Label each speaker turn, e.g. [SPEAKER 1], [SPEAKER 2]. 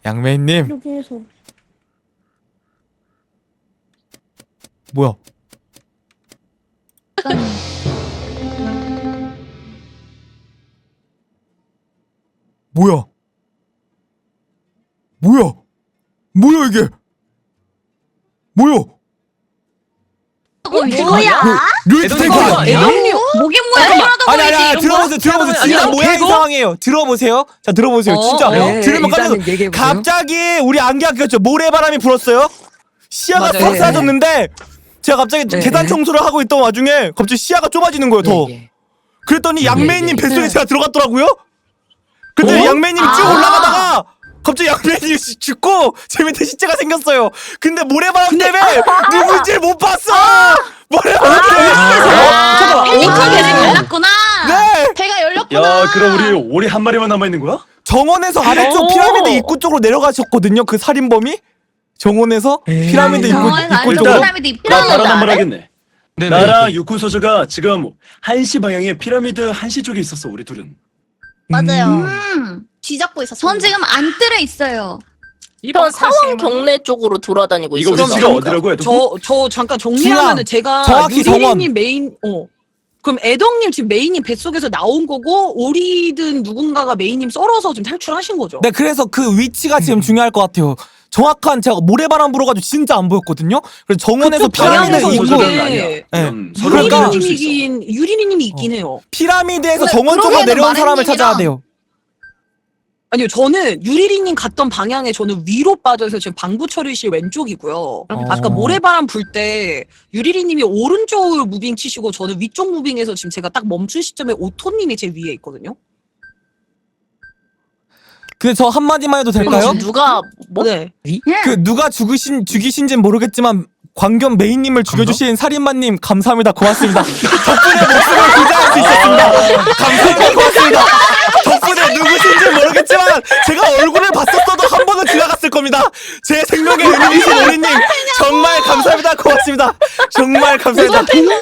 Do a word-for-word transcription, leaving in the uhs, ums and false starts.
[SPEAKER 1] 양매님.
[SPEAKER 2] 이렇게 해서.
[SPEAKER 1] 뭐야? 뭐야? 뭐야? 뭐야 이게? 뭐야?
[SPEAKER 2] 어, 뭐야?
[SPEAKER 1] 류이트 탱크!
[SPEAKER 3] 애동님
[SPEAKER 2] 목이 뭐야? 뭐라도
[SPEAKER 1] 아니 아니
[SPEAKER 2] 보이지,
[SPEAKER 1] 아니
[SPEAKER 2] 이런
[SPEAKER 1] 들어보세요 들어보세요
[SPEAKER 3] 아니,
[SPEAKER 1] 진짜
[SPEAKER 3] 아니,
[SPEAKER 1] 모양
[SPEAKER 3] 개고?
[SPEAKER 1] 이상해요. 들어보세요. 자 들어보세요.
[SPEAKER 3] 어,
[SPEAKER 1] 진짜
[SPEAKER 3] 네,
[SPEAKER 1] 들으면 깜짝
[SPEAKER 3] 일단은 얘기해보세요.
[SPEAKER 1] 갑자기 우리 안개가 꼈죠. 모래바람이 불었어요. 시야가
[SPEAKER 3] 맞아요.
[SPEAKER 1] 싹 사라졌는데 제가 갑자기
[SPEAKER 3] 네.
[SPEAKER 1] 계단 청소를 하고 있던 와중에 갑자기 시야가 좁아지는 거예요. 더.
[SPEAKER 3] 예, 예.
[SPEAKER 1] 그랬더니 양매님
[SPEAKER 3] 예.
[SPEAKER 1] 뱃속에
[SPEAKER 2] 네.
[SPEAKER 1] 제가 들어갔더라고요. 근데
[SPEAKER 3] 어?
[SPEAKER 1] 양매님이 쭉
[SPEAKER 2] 아.
[SPEAKER 1] 올라가다가 갑자기 양매님이 죽고 제 밑에 시체가 생겼어요. 근데 모래바람 때문에 누군지 못 봤어. 모래바람 때문에.
[SPEAKER 2] 아, 펠리컨 계속 열렸구나.
[SPEAKER 1] 네.
[SPEAKER 2] 배가 열렸구나.
[SPEAKER 4] 야, 그럼 우리 오리 한 마리만 남아 있는 거야?
[SPEAKER 1] 정원에서 아래쪽
[SPEAKER 3] 오.
[SPEAKER 1] 피라미드 입구 쪽으로 내려가셨거든요. 그 살인범이 정원에서
[SPEAKER 3] 에이.
[SPEAKER 1] 피라미드 입구
[SPEAKER 2] 정원
[SPEAKER 1] 입구
[SPEAKER 2] 아니면
[SPEAKER 1] 쪽으로.
[SPEAKER 2] 피라미드
[SPEAKER 4] 나
[SPEAKER 2] 입구라는
[SPEAKER 4] 바로 한번
[SPEAKER 2] 알아?
[SPEAKER 4] 하겠네. 나랑 유쿠 소저가 지금 한 시 방향에 피라미드 한 시 쪽에 있었어. 우리 둘은.
[SPEAKER 2] 맞아요.
[SPEAKER 5] 음.
[SPEAKER 2] 뒤잡고 있었어.
[SPEAKER 5] 전 지금 안뜰에 있어요.
[SPEAKER 6] 전 사원 경례 쪽으로 돌아다니고
[SPEAKER 4] 이거
[SPEAKER 6] 있어요.
[SPEAKER 4] 위치가 어디라고 해도
[SPEAKER 3] 저, 저 잠깐 정리하면은 제가
[SPEAKER 1] 정확히 정원.
[SPEAKER 3] 유리님 메인, 어. 그럼 애덕님 지금 메인님 뱃속에서 나온 거고, 오리든 누군가가 메인님 썰어서 지금 탈출하신 거죠?
[SPEAKER 1] 네, 그래서 그 위치가 지금 중요할 것 같아요. 정확한 제가 모래바람 불어가지고 진짜 안 보였거든요. 그래서 정원에서
[SPEAKER 3] 그쵸,
[SPEAKER 1] 피라미드
[SPEAKER 3] 방향에서
[SPEAKER 1] 입구,
[SPEAKER 3] 이게-
[SPEAKER 4] 소저는 아니야.
[SPEAKER 3] 네.
[SPEAKER 4] 음, 서로
[SPEAKER 1] 그러니까-
[SPEAKER 4] 믿어줄 수 있어.
[SPEAKER 3] 유리님이긴, 유리님이 있긴 해요.
[SPEAKER 1] 피라미드에서
[SPEAKER 2] 근데
[SPEAKER 1] 정원 쪽으로
[SPEAKER 2] 그러기에는
[SPEAKER 1] 내려온 사람을
[SPEAKER 2] 마렌님이랑-
[SPEAKER 1] 찾아야 돼요.
[SPEAKER 3] 아니요, 저는 유리리님 갔던 방향에 저는 위로 빠져서 지금 방구처리실 왼쪽이고요. 아까 모래바람 불 때 유리리님이 오른쪽으로 무빙 치시고 저는 위쪽 무빙에서 지금 제가 딱 멈춘 시점에 오토님이 제 위에 있거든요.
[SPEAKER 1] 근데 저 한마디만 해도
[SPEAKER 6] 그럼
[SPEAKER 1] 될까요?
[SPEAKER 6] 지금 누가 뭐?
[SPEAKER 3] 네.
[SPEAKER 1] 그 누가 죽으신 죽이신진 모르겠지만 광견 메인님을 죽여주신 살인마님 감사합니다. 고맙습니다. 덕분에 목숨을 구제할 수 있었습니다. 감사합니다. 고맙습니다. 덕분에 누구신지 모르겠지만 제가 얼굴을 봤었어도 한 번은 지나갔을 겁니다. 제 생명의 은인이신 우리님 정말 감사합니다. 고맙습니다. 정말 감사합니다.